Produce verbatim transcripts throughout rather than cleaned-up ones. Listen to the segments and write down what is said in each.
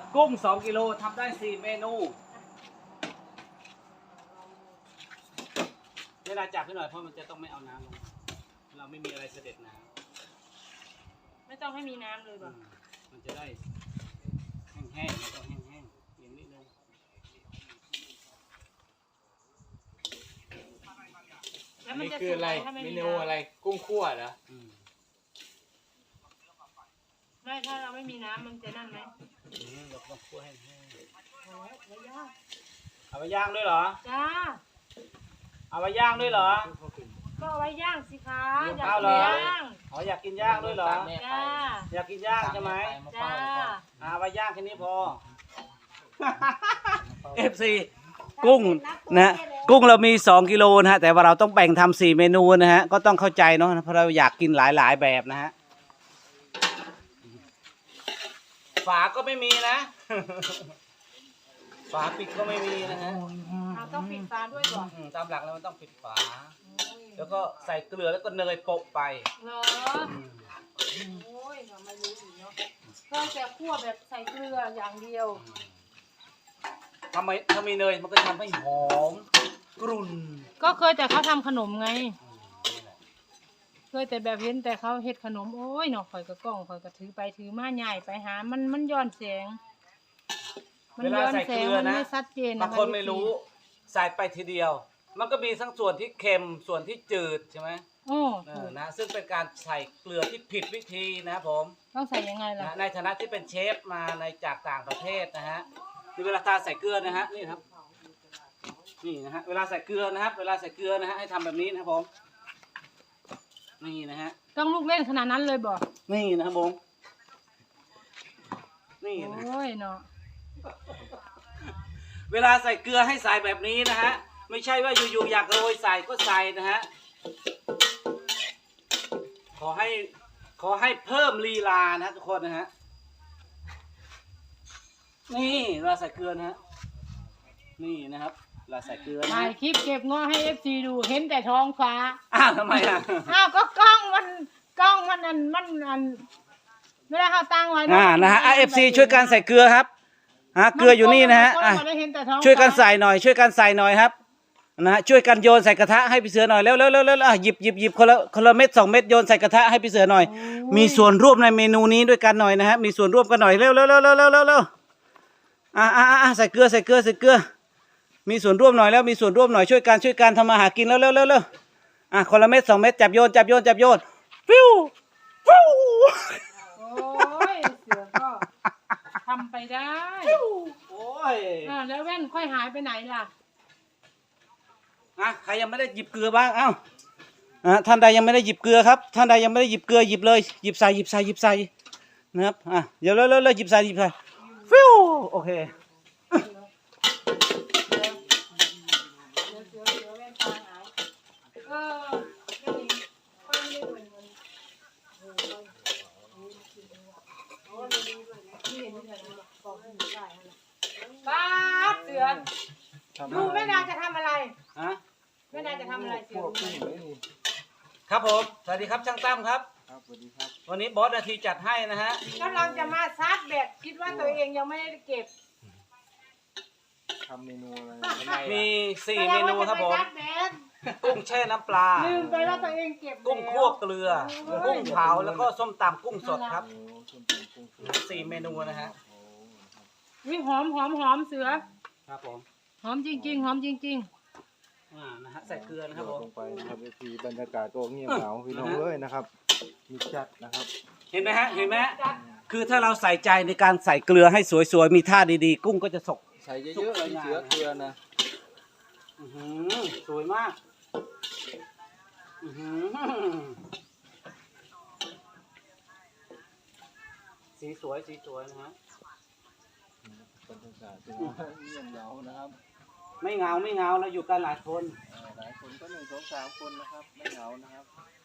กุ้งสองกิโลทำได้สี่เมนูเวลาจับให้หน่อยเพราะมันจะต้องไม่เอาน้ำลงเราไม่มีอะไรเสด็จน้ำไม่ต้องให้มีน้ำเลยป่ะมันจะได้แห้งๆต้องแห้งๆอย่างนิดนึงแล้วมันนี่จะคืออะไรถ้าไม่เมมีนูอะไรกุ้งคั่วเหรอไม่ถ้าเราไม่มีน้ำมันจะนั่นไหมเราต้องคั่วให้แห้งโอ้ยไม่ยากเอาไปย่างด้วยเหรอจ้าเอาไปย่างด้วยเหรอก็เอาไว้ย่างสิคะอยากเอากิเหรนอย่างอ๋ออยากกินย่างด้วยเหรอจ้าอยากกินย่างใช่ไหมจ้าเอาไปย่างแค่นี้พอ เอฟ ซี กุ้งนะกุ้งเรามีสองกิโลนะฮะแต่ว่าเราต้องแบ่งทำสี่เมนูนะฮะก็ต้องเข้าใจเนาะเพราะเราอยากกินหลายๆแบบนะฮะฝาก็ไม่มีนะ ฝาปิดก็ไม่มีนะฮะเราต้องปิดฝาด้วยก่อนอืมตามหลักแล้วมันต้องปิดฝา แล้วก็ใส่เกลือแล้วก็เนยโปะไปเหรอโอ้ยเราไม่รู้อีกเนาะก็จะคั่วแบบใส่เกลืออย่างเดียวทำไมถ้ามีเนยมันก็ทำให้หอมกรุ่นก็เคยแต่เขาทำขนมไง เคยแต่แบบเห็นแต่เขาเฮ็ดขนมโอ้ยเนาะข่อยก็กล้องข่อยก็ถือไปถือมาใหญ่ไปหามันมันย้อนแสงมันเวลาย้อนใส่แสเกงลือมันนะไม่ชัดเจนบางคนไม่รู้ใส่ไปทีเดียว มันก็มีทั้งส่วนที่เค็มส่วนที่จืดใช่ไหมโอ้เออนะซึ่งเป็นการใส่เกลือที่ผิดวิธีนะครับผมต้องใส่ยังไงล่ะนะในฐานะที่เป็นเชฟมาในจากต่างประเทศนะฮะนี่เวลาทาใส่เกลือนะฮะนี่ครับนี่นะฮะเวลาใส่เกลือนะครับ เวลาใส่เกลือนะฮะให้ทำแบบนี้นะครับผมนี่นะฮะต้องลูกเล่นขนาดนั้นเลยบ่นี่นะครับผมนี่โอนะ้ยเนาะเวลาใส่เกลือให้ใส่แบบนี้นะฮะไม่ใช่ว่าอยู่ๆอยากโรยใส่ก็ใส่นะฮะขอให้ขอให้เพิ่มลีลานะทุกคนนะฮะนี่เวลาใส่เกลือนะฮะนี่นะครับเวลาใส่เกลือนะถ่าฮะยคลิปเก็บง้อให้ เอฟ ซี ดูเห็นแต่ท้องฟ้าอ้าวทำไมอ่ะอ้าวก็กล้องมันกล้องมันอันมันอันเวลาเขาตั้งไว้อ่านะฮะเอฟซีช่วยกันใส่เกลือครับฮะเกลืออยู่นี่นะฮะอ่ะช่วยกันใส่หน่อย ช่วยกันใส่หน่อยครับนะฮะช่วยกันโยนใส่กระทะให้พี่เสือหน่อยเร็วเร็วเร็วเร็วอ่ะหยิบหยิบหยิบคนละคนละเม็ดสองเม็ดโยนใส่กระทะให้พี่เสือหน่อยมีส่วนร่วมในเมนูนี้ด้วยกันหน่อยนะฮะมีส่วนร่วมกันหน่อยเร็วเร็วเร็วเร็วเร็วเร็วเร็วอ่าอ่าอ่าใส่เกลือใส่เกลือใส่เกลือมีส่วนร่วมหน่อยแล้วมีส่วนร่วมหน่อยช่วยกันช่วยกันทำมาหากินแล้วเร็วเร็วเร็วอ่ะคนละเม็ดสองเม็ดจับโยนจับโยนจับโยนฟิวฟิวโอ้ยเสือก็ทำไปได้โอ้ยอ่าแล้วแว่นค่อยหายไปไหนล่ะอ่ะใครยังไม่ได้หยิบเกลือบ้างเอ้าอ่ะท่านใดยังไม่ได้หยิบเกลือครับท่านใดยังไม่ได้หยิบเกลือหยิบเลยหยิบใส่หยิบใส่หยิบใส่นะครับอ่ะเดี๋ยวเร็วเร็วเร็วหยิบใส่หยิบใส่ฟิวโอเคเออไม่ดีค่อยไม่ได้เหมือนมันเออโอ้ไม่ดีด้วยนะที่เห็นนี่เลยบอกให้หนูได้นั่นแหละป้าดเสือดูแม่นางจะทำอะไรฮะแม่นางจะทำอะไรเสือรู้ไหมครับผมสวัสดีครับช่างตั้มครับครับสวัสดีครับวันนี้บอสนาทีจัดให้นะฮะกำลังจะมาซัดแบบคิดว่าตัวเองยังไม่ได้เก็บทำเมนูอะไรมีสี่เมนูครับผมกำลังจะไปซัดแบบกุ้งแช่น้ำปลาลืมไปว่าตัวเองเก็บกุ้งคั่วเกลือกุ้งเผาแล้วก็ส้มตำกุ้งสดครับโอ้ส้มตำกุ้งสดสี่เมนูนะฮะโอ้ครับวิหอมหอมหอมเสือครับผมหอมจริงๆหอมจริงอ่านะฮะใส่เกลือนะครับโยผนมลงไปนะครับเอทีบรรยากาศก็เงียบเหงาพี่น้องเอ้ยนะครับมีจัดนะครับเห็นไหมฮะเห็นไหมฮะคือถ้าเราใส่ใจในการใส่เกลือให้สวยๆมีท่าดีๆ กุ้งก็จะสกใส่เยอะๆเลยเสือเกลือนะอื้อหือสวยมากอื้อหือสีสวยสีสวยนะฮะบรรยากาศพี่น้องเงียบเหงานะครับไม่เหงาไม่เหงาเราอยู่กันหลายคนเอ่อหลายคนก็หนึ่งสองสามคนนะครับไม่เหงานะครับ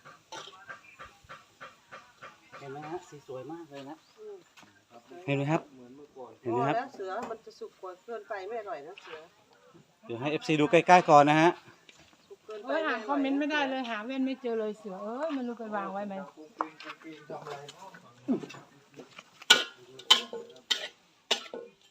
เห็นไหมฮะสีสวยมากเลยนะเห็นไหมครับเหมือนเมื่อก่อนเห็นไหมครับแล้วเสือมันจะสุกกว่าเกินไปไม่อร่อยนะเสือเดี๋ยวให้ เอฟ ซี ดูใกล้ๆก่อนนะฮะสุกเกินๆไปเอ้ยอ่านคอมเมนต์ไม่ได้เลยหาเว้นไม่เจอเลยเสือเอ้ยมันรู้ไปวางไว้ไหมกุ้งปิ้งกุ้งปิ้งทำอะไรเนาะ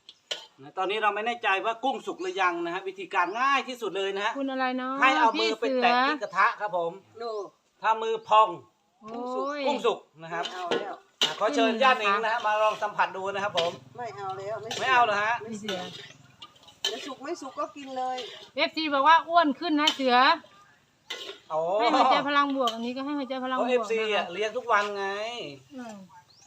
ตอนนี้เราไม่แน่ใจว่ากุ้งสุกหรือยังนะฮะวิธีการง่ายที่สุดเลยนะฮะคุณอะไรเนาะให้เอามืพี่อไปเสือแตะที่กระทะครับผมโน่ถ้ามือพองโอ้ยกุ้งสุกนะครับเอาแล้วอ่ะขอเชิญญาติเองนะฮะมาลองสัมผัสดูนะครับผมไม่เอาแล้วไม่เอาเหรอฮะพี่เสือจะสุกไม่สุกก็กินเลยเอฟซีบอกว่าอ้วนขึ้นนะเสือโอ้ให้หัวใจพลังบวกอันนี้ก็ให้หัวใจพลังบเขาวกเอฟซีนะอ่ะคะเลี้ยงทุกวันไงอืม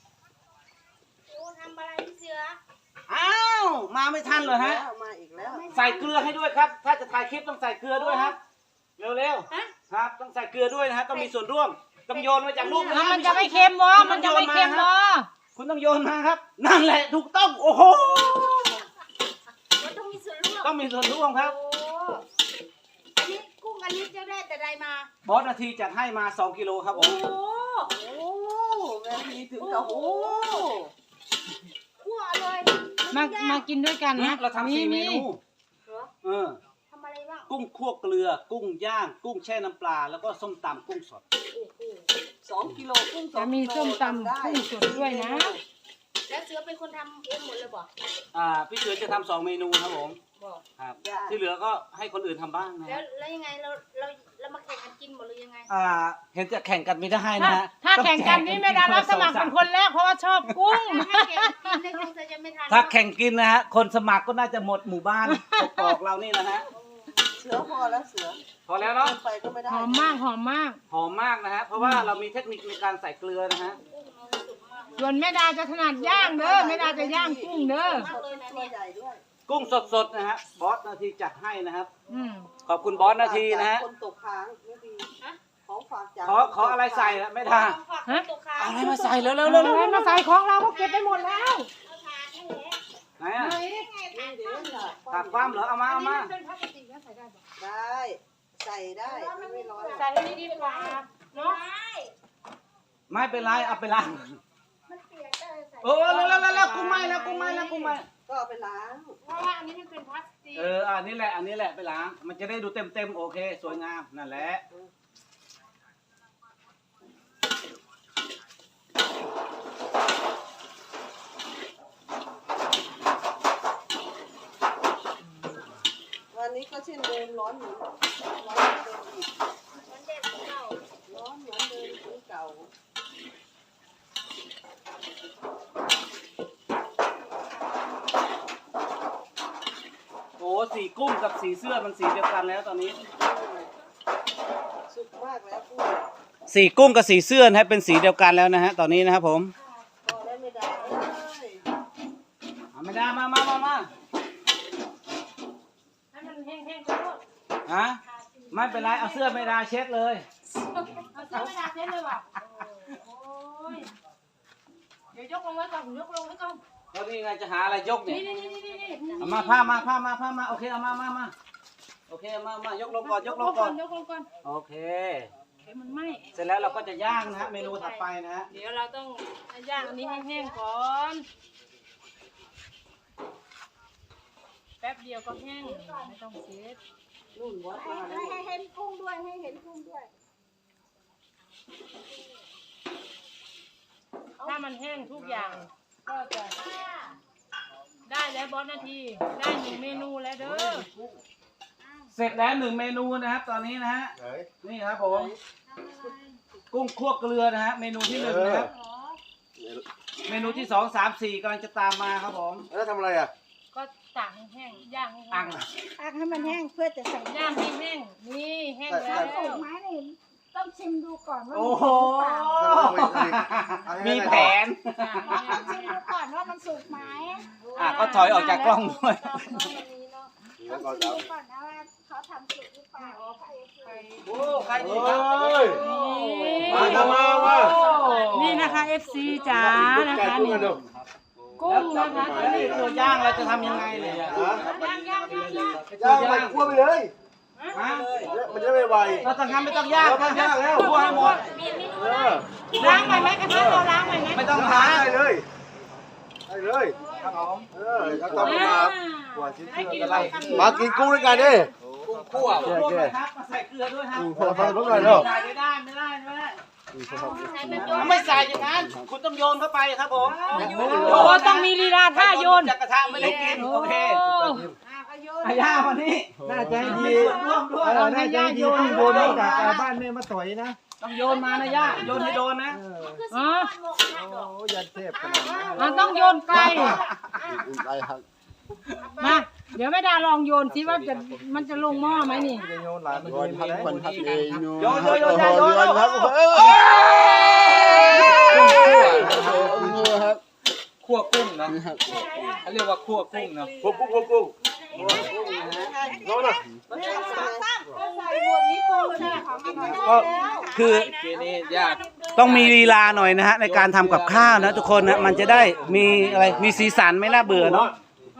ทำอะไรพี่เสืออ้าวมาไม่ทันเหรอฮะแล้วมาอีกแล้วใส่เกลือให้ด้วยครับ ถ้าจะถ่ายคลิปต้องใส่เกลือด้วยครับเร็วๆครับต้องใส่เกลือด้วยนะฮะต้องมีส่วนร่วมต้องโยนมาจากลูกนะแล้วฮะมันจะไม่เค็มบ่มันจะไม่เค็มบ่คุณต้องโยนมาครับ นั่นแหละถูกต้องโอ้โหมันต้องมีส่วนร่วมต้องมีส่วนร่วมครับโอ้อันนี้กุ้งอันนี้จะได้แต่ใดมาบอสนาทีจัดให้มาสองกิโลครับผมโอ้โอ้แม่พีถึงกับโอ้คั่วเลยมามากินด้วยกันนะเราทำสี่เมนูเหรอเออทำอะไรบ้างกุ้งคั่วเกลือ กุ้งย่าง กุ้งแช่น้ำปลา แล้วก็ส้มตำกุ้งสดโอ้โหสองกิโลกุ้งสอจะงมีกิโลส้มตำได้กุ้งสดด้วยนะแล้วเสือเป็นคนทำเองหมดเลยบ่อ่าพี่เสือจะทำสองเมนูครับผมบอกครับที่เหลือก็ให้คนอื่นทำบ้างนะแล้วแล้วยังไงเราเราเรามาแข่งกันกินหมดหรือยังไงอ่าเห็นจะแข่งกันไม่ได้ถ้านะฮะถ้าแข่งกันนี่ไม่ได้รับสมัครเป็นคนแรกเพราะว่าชอบกุ้งถ้าแข่งกินในคงจะจะไม่ทันถ้าแข่งกินนะฮะคนสมัครก็น่าจะหมดหมู่บ้านกอกๆเรานี่นะฮะเสือพอแล้วเสือพอแล้วเนาะไปก็ไม่ได้หอมมากหอมมากหอมมากนะฮะเพราะว่าเรามีเทคนิคในการใส่เกลือนะฮะส่วนแม่ดาจะถนัดย่างเด้อแม่ดาจะย่างกุ้งเด้อมากเลยนะตัวเนี่ยใหญ่ด้วยกุ้งสดๆนะฮะบอสนาทีจัดให้นะครับอืมขอบคุณบอสนาทีนะฮะคนตกค้างไม่ดีของฝากจากขอขออะไรใส่อะไม่ได้ฝากตัวค้างเอาอะไรมาใส่เร็วๆเอาเร็วๆอะไรมาใส่ของเราก็เก็บไปหมดแล้วเอาทานให้แล้วไหนอ่ะนี่เดี๋ยวน่ะผักความเหรอเอามาเอามาเป็นพลาสติกนะใส่ได้ปะได้ใส่ได้ไม่ร้อนใส่ให้ดีกว่าเนาะไม่เป็นไรเอาไปล้างมันเปียกได้ใส่โอ้แล้วแล้วแล้วกุ้งไหม้แล้วกุ้งไหม้แล้วกุ้งไหม้ก็เอาไปล้างเพราะว่าอันนี้มันเป็นพลาสติกเอออันนี้แหละอันนี้แหละไปล้าง มันจะได้ดูเต็มเต็มๆโอเคสวยงามนั่นแหละวันนี้ก็เช่นเดิมร้อนเหมือนร้อนเหมือนเดิมอีกมันเด็ดเก่าร้อนเหมือนเดิมเหมือนเก่าโอ้สีกุ้งกับสีเสื้อมันสีเดียวกันแล้วตอนนี้สุกมากแล้วพูดสีกุ้งกับสีเสื้อนะฮะเป็นสีเดียวกันแล้วนะฮะตอนนี้นะครับผมพอได้ไม่ได้เอ้ยเอาไม่ได้มามามามาให้มันแห้งๆก็ได้ฮะไม่เป็นไรเอาเสื้อไม่ได้เช็ดเลยเอาเสื้อไม่ดาเช็ดเลยว่ะโอ้ยเดี๋ยวยกลงไว้ก่อนยกลงไว้ก่อนแล้วนี่ไงจะหาอะไรยกเนี่ยนี่นี่นี่นี่นี่เอามาผ้ามาผ้ามาผ้ามาโอเคเอามามามาโอเคเอามามายกลงก่อนยกลงก่อนยกลงก่อนโอเคเดี๋ยวมันไหม้เสร็จแล้วเราก็จะย่างนะฮะเมนูถัดไปนะฮะเดี๋ยวเราต้องย่างอันนี้ให้แห้งก่อน แป๊บเดียวก็แห้งไม่ต้องเช็ดนู่นวัดมาแล้วให้เห็นกุ้งด้วยให้เห็นกุ้งด้วยถ้ามันแห้งทุกอย่าง ก็จะได้แล้วบอสนาที ได้หนึ่งเมนูแล้วเด้อเสร็จแล้วหนึ่งเมนูนะครับ ตอนนี้นะฮะไหนนี่ครับผมกุ้งคั่วเกลือนะฮะเมนูที่หนึ่งนะครับ เมนูที่สองสามสี่กำลังจะตามมาครับผมแล้วทำอะไรอ่ะก็ตากให้แห้ง ย่างให้อัแห้งงตักให้มันแห้งเพื่อจะใส่ย่างให้แห้ง นี่แห้งแล้วสูตรไม้นี่ต้องชิมดูก่อนว่าโอ้มันโหสุกหรือเปล่ามีแผนต้องชิมดูก่อนว่ามันสุกไหมอ่ะก็ถอยออกจากกล้องด้วยต้องชิมดูก่อนนะว่าเขาทำสุกหรือเปล่าโอ้ใครดีเฮ้ครับย มาทำมามานี่นะคะ เอฟ ซี จ๋านะคะนี่ดูกุ้งนะคะแล้วนี่ตัวย่างเราจะทำยังไงเลยอ่ะย่างย่างย่างย่างย่างไปคั่วไปเลยฮะมันจะไม่ไวเราต้องทำไม่ต้องย่างครับย่างแล้วคั่วให้หมดเออล้างใหม่ไหมกระทะเราล้างใหม่ไหมไม่ต้องได้ล้างเลยได้เลยครับผมเออแล้วต้องมาหัวชิ้นให้กินเชื่ออะไรมากินกุ้งด้วยกันดิกุ้งคั่วคั่วไหมครับมาใส่เกลือด้วยฮะอืมพอพอพอหน่อยเนาะไม่ได้ไม่ได้ไม่ได้อไม่ใส่อย่างนั้นคุณต้องโยนเข้าไปครับผมโอ้ต้องมีลีลาท่าโยนจากกระทะไม่ได้กินโอเคโอ้อาย่ามานี่น่าใจดีร่วมด้วยเออน่าใจดีที่โดนมาจากเอ่อบ้านแม่มาต่อยนะต้องโยนมานะย่าโยนให้โดนนะเอออ๋อโอ้ยันเทพขนาดนั้นอ่ะต้องโยนไกลมาเดี๋ยวแม่ดาลองโยนสิว่าจะมันจะลงหม้อไหมนี่จะโยนหลานมันโยนดีพักไหมคนพักเองโยนโยนโยนโยนโยนครับเออครับคั่วกุ้งนะเขาเรียกว่าคั่วกุ้งนะพวกกุ้งพวกกุ้งก็คือทีนี้ยากต้องมีลีลาหน่อยนะฮะในการทำกับข้าวนะทุกคนนะมันจะได้มีอะไรมีสีสันไม่น่าเบื่อเนาะ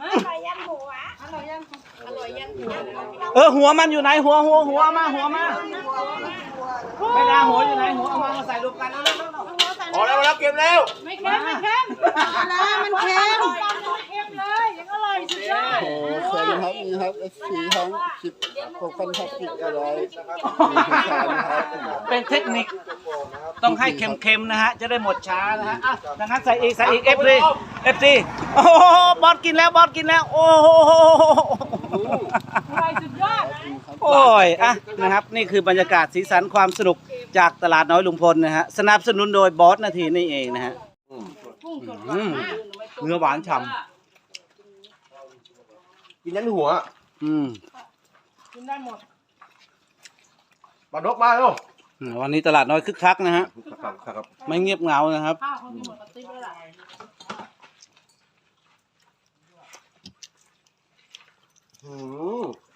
เออหัวมันอยู่ไหนหัวหัวหัวมาหัวมาไม่ได้หัวอยู่ไหนหัวเอามามาใส่รวมกันแล้วแล้วพอแล้วแล้วเก็บแล้วไม่เค็มไม่เค็มนะมันเค็มไม่เค็มเลยยังอร่อยสุดยอดโอ้สวัสดีครับนี่ครับเอสซีทั้งสิบหกพันทับสิบอะไรนะครับเป็นเทคนิคต้องให้เค็มๆนะฮะจะได้หมดช้านะฮะอ่ะดังนั้นใส่อีกใส่อีกเอฟซีเอฟซีโอ้โหบอสกินแล้วบอสกินแล้วโอ้โหอร่อยสุดยอดโอ้ยอ่ะนะครับนี่คือบรรยากาศสีสันความสนุกจากตลาดน้อยลุงพลนะฮะสนับสนุนโดยบอสนาทีนี่เองนะฮะ อืมเนื้อหวานฉ่กินยันหัวำอืมกินได้หมดปลาดกมาแล้วอืมวันนี้ตลาดน้อยคึกคักนะฮะครับครับไม่เงียบเหงานะครับข้าวเขามีหมดกระติบแล้วล่ะอืม